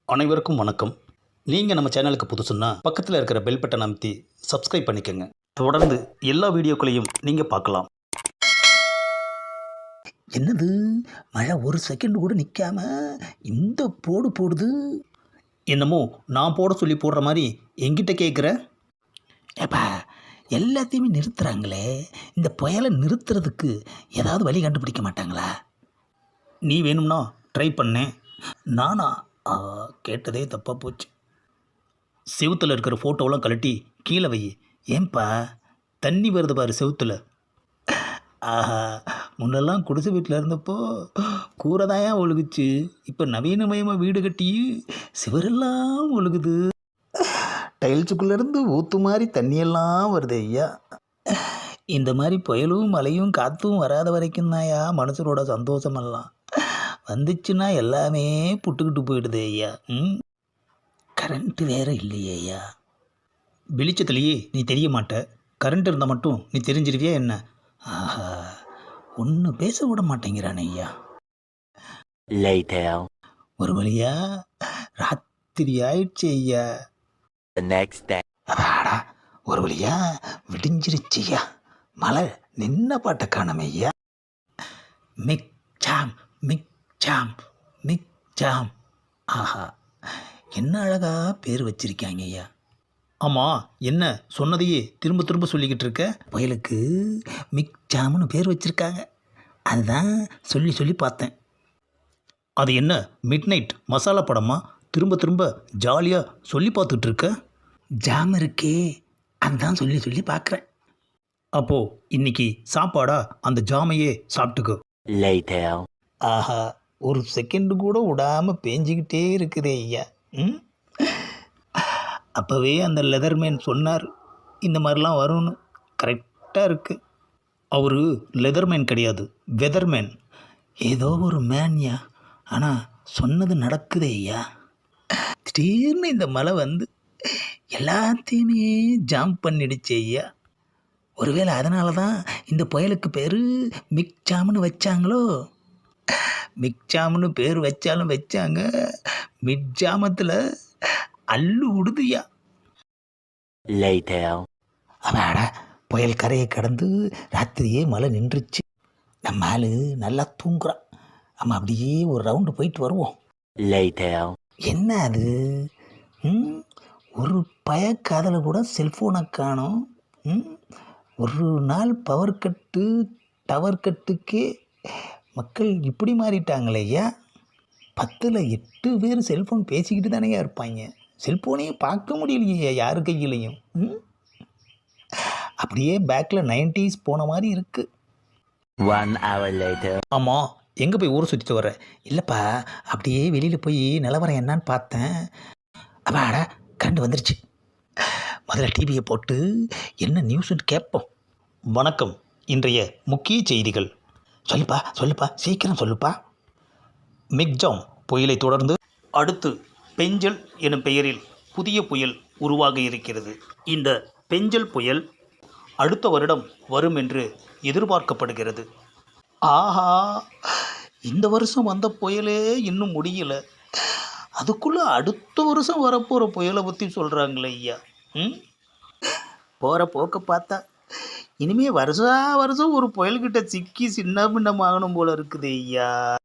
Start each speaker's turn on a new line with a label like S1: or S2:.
S1: அனைவருக்கும் வணக்கம். நீங்கள் நம்ம சேனலுக்கு புதுசுன்னா பக்கத்தில் இருக்கிற பெல் பட்டன் அமைத்தி சப்ஸ்கிரைப் பண்ணிக்கோங்க. தொடர்ந்து எல்லா வீடியோக்களையும் நீங்கள் பார்க்கலாம். என்னது மழை ஒரு செகண்ட் கூட நிற்காம இந்த போடு போடுது. என்னமோ நான் போட சொல்லி போடுற மாதிரி எங்கிட்ட கேட்குற. ஏப்பா எல்லாத்தையுமே நிறுத்துகிறாங்களே, இந்த புயலை நிறுத்துறதுக்கு ஏதாவது வழி கண்டுபிடிக்க மாட்டாங்களா? நீ வேணும்னா ட்ரை பண்ணேன். நானா கேட்டதே தப்பாக போச்சு. செவுத்தில் இருக்கிற ஃபோட்டோவெல்லாம் கழட்டி கீழே வை. ஏன்பா தண்ணி வருது பாரு செவுத்தில். ஆஹா, முன்னெல்லாம் குடிசை வீட்டில் இருந்தப்போ கூரைதாயா ஒழுகுச்சு. இப்போ நவீனமயமாக வீடு கட்டி சிவரெல்லாம் ஒழுகுது. டைல்ஸுக்குள்ளேருந்து ஊற்று மாதிரி தண்ணியெல்லாம் வருது ஐயா. இந்த மாதிரி புயலும் மழையும் காற்றும் வராத வரைக்கும் தான்யா மனுஷரோட சந்தோஷமெல்லாம். வந்துச்சுன்னா எல்லாமே புட்டுக்கிட்டு போயிடுது ஐயா. கரண்ட்டு வேறு இல்லையே ஐயா. வெளிச்சத்துலேயே நீ தெரிய மாட்ட, கரண்ட் இருந்தால் மட்டும் நீ தெரிஞ்சிருவியா என்ன? ஆஹா, ஒன்று பேச விட மாட்டேங்கிறான் ஐயா. ஒரு வழியா ராத்திரி ஆயிடுச்சு ஐயா. அடாடா, ஒரு வழியா விடிஞ்சிருச்சு ஐயா. மழை நின்ன பாட்டை காணமே ஐயா. மிக் சாம் மிக் சாம் மிக் சாம். ஆஹா, என்ன அழகா பேர் வச்சிருக்காங்க ஐயா. ஆமாம், என்ன சொன்னதையே திரும்ப திரும்ப சொல்லிக்கிட்டு இருக்க? புயலுக்கு மிக் ஜாம்னு பேர் வச்சுருக்காங்க, அதுதான் சொல்லி சொல்லி பார்த்தேன். அது என்ன மிட் நைட் மசாலா படமா திரும்ப திரும்ப ஜாலியாக சொல்லி பார்த்துட்டு இருக்க? ஜாம் இருக்கே, அதுதான் சொல்லி சொல்லி பார்க்குறேன். அப்போது இன்னைக்கு சாப்பாடா அந்த ஜாமையே சாப்பிட்டுக்கோ. ஆஹா, ஒரு செகண்டு கூட விடாமல் பேஞ்சிக்கிட்டே இருக்குதே ஐயா. அப்போவே அந்த லெதர்மேன் சொன்னார் இந்த மாதிரிலாம் வரும்னு. கரெக்டாக இருக்குது. அவர் லெதர்மேன் கிடையாது, வெதர்மேன். ஏதோ ஒரு மேன்யா, ஆனால் சொன்னது நடக்குதே ஐயா. திடீர்னு இந்த மழை வந்து எல்லாத்தையுமே ஜாம் பண்ணிடுச்சு ஐயா. ஒருவேளை அதனால தான் இந்த புயலுக்கு பேர் மிக் ஜாம்னு வச்சாங்களோ? மிக் ஜாம்னு பேர் வச்சாலும் வச்சாங்க, மிட் ஜாமத்தில் அல்லு விடுதுயா. அவாடா, புயல் கரையை கடந்து ராத்திரியே மழை நின்றுச்சு. நம்ம ஆளு நல்லா தூங்குறான். நம்ம அப்படியே ஒரு ரவுண்டு போயிட்டு வருவோம். என்ன அது, ஒரு பயக்காதில் கூட செல்ஃபோனை காணோம். ஒரு நாள் பவர் கட்டு டவர் கட்டுக்கே மக்கள் இப்படி மாறிட்டாங்களே ஐயா. 10ல் 8 பேர் செல்ஃபோன் பேசிக்கிட்டு தானேயா இருப்பாங்க. செல்ஃபோனையே பார்க்க முடியலையே யாரு கையிலையும். அப்படியே பேக்கில் 90s போன மாதிரி இருக்குது.
S2: 1 hour later.
S1: ஆமாம், எங்கே போய் ஊரை சுற்றிட்டு வர? இல்லைப்பா, அப்படியே வெளியில் போய் நிலவரம் என்னான்னு பார்த்தேன். அப்பாடா, கரண்ட் வந்துருச்சு. முதல்ல டிவியை போட்டு என்ன நியூஸ்ன்னு கேட்போம். வணக்கம், இன்றைய முக்கிய செய்திகள். சொல்லுப்பா சீக்கிரம் சொல்லுப்பா. மிக்ஜாம் புயலை தொடர்ந்து அடுத்து பெஞ்சல் எனும் பெயரில் புதிய புயல் உருவாக இருக்கிறது. இந்த பெஞ்சல் புயல் அடுத்த வருடம் வரும் என்று எதிர்பார்க்கப்படுகிறது. ஆஹா, இந்த வருஷம் வந்த புயலே இன்னும் முடியலை, அதுக்குள்ளே அடுத்த வருஷம் வரப்போகிற புயலை பற்றி சொல்கிறாங்களே ஐயா. போகிற போக்க பார்த்தா இனிமேல் வருஷம் ஒரு புயல்கிட்ட சிக்கி சின்ன பின்னமாகணும் போல இருக்குது ஐயா.